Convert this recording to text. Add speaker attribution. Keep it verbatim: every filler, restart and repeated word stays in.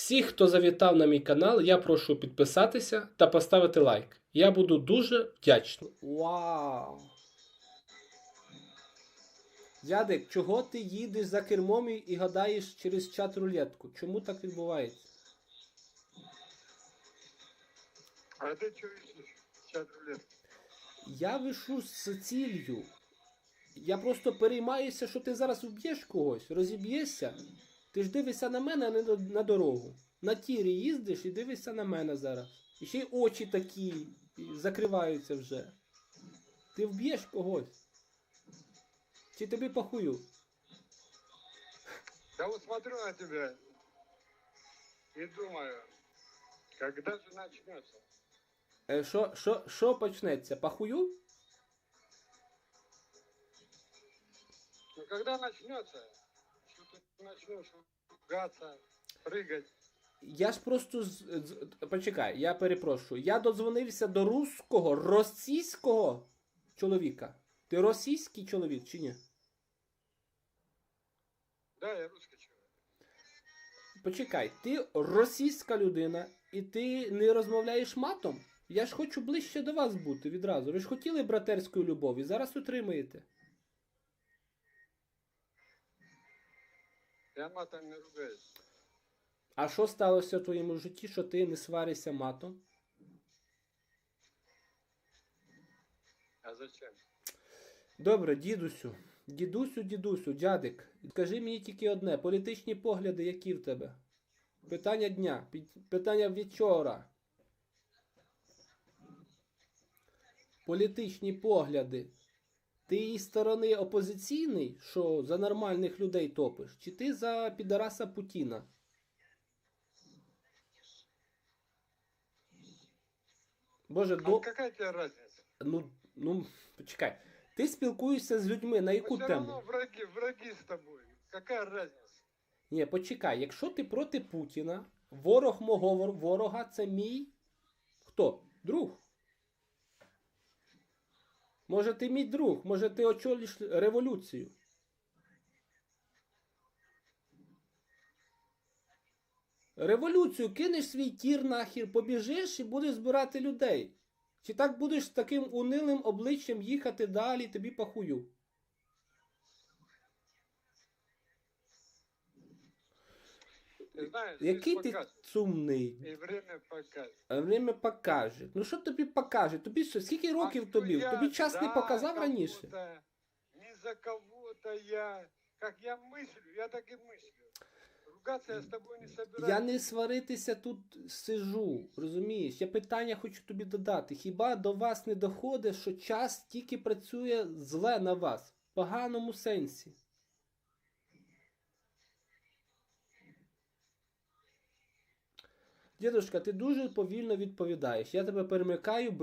Speaker 1: Всіх, хто завітав на мій канал, я прошу підписатися та поставити лайк. Я буду дуже вдячний. Вау! Дядик, чого ти їдеш за кермом і гадаєш через чат рулетку? Чому так відбувається?
Speaker 2: А ти чого їдеш чат рулетку?
Speaker 1: Я вишу з ціллю. Я просто переймаюся, що ти зараз вб'єш когось, розіб'єшся. Ти ж дивишся на мене, а не на, на дорогу. На тірі їздиш і дивишся на мене зараз. І ще й очі такі і закриваються вже. Ти вб'єш когось. Чи тобі похую?
Speaker 2: Я вот смотрю на тебя и думаю, когда же начнется?
Speaker 1: Е, Що, що, що почнеться? Похую?
Speaker 2: Ну когда начнется, что ты начнешь ругаться, прыгать?
Speaker 1: Я ж просто з, з- почекай, я перепрошую. Я додзвонився до руського, російського чоловіка. Ти російський чоловік чи ні?
Speaker 2: Да, я русский человек.
Speaker 1: Почекай, ти російська людина і ти не розмовляєш матом? Я ж хочу ближче до вас бути відразу. Ви ж хотіли братерської любові, зараз отримаєте.
Speaker 2: Я матом не ругаюсь.
Speaker 1: А що сталося в твоєму житті, що ти не сваришся матом?
Speaker 2: А зачем?
Speaker 1: Добре, дідусю. Дідусю, дідусю, дядик. Скажи мені тільки одне. Політичні погляди які в тебе? Питання дня. під- Питання вечора. Політичні погляди. Ти із сторони опозиційний, що за нормальних людей топиш? Чи ти за підараса Путіна? Боже,
Speaker 2: А
Speaker 1: до...
Speaker 2: какая тебе разница?
Speaker 1: Ну, ну, почекай. Ти спілкуєшся з людьми на яку
Speaker 2: Все
Speaker 1: тему?
Speaker 2: равно враги, враги с тобой. Какая разница?
Speaker 1: Ні, почекай, якщо ти проти Путіна, ворог мого вор- ворога це мій хто? Друг. Може ти мій друг, може ти очолиш революцію. Революцію кинеш свій тір нахер, побіжиш і будеш збирати людей. Чи так будеш з таким унилим обличчям їхати далі, тобі похую.
Speaker 2: Ты знаешь,
Speaker 1: Який
Speaker 2: жизнь
Speaker 1: ти
Speaker 2: покажет.
Speaker 1: сумний.
Speaker 2: И время покажет.
Speaker 1: А время покаже. Ну що тобі покаже? Тобі що, скільки років
Speaker 2: А что
Speaker 1: тобі?
Speaker 2: я
Speaker 1: Тобі час не
Speaker 2: за
Speaker 1: показав раніше?
Speaker 2: кого-то, не за кого-то я. Как я мыслю, я так и мыслю. Ругаться я с тобой не собираюсь.
Speaker 1: Я не сваритися тут сижу, розумієш? Я питання хочу тобі додати. Хіба до вас не доходить, що час тільки працює зле на вас? В поганому сенсі. Дідушка, ти дуже повільно відповідаєш. Я тебе перемикаю.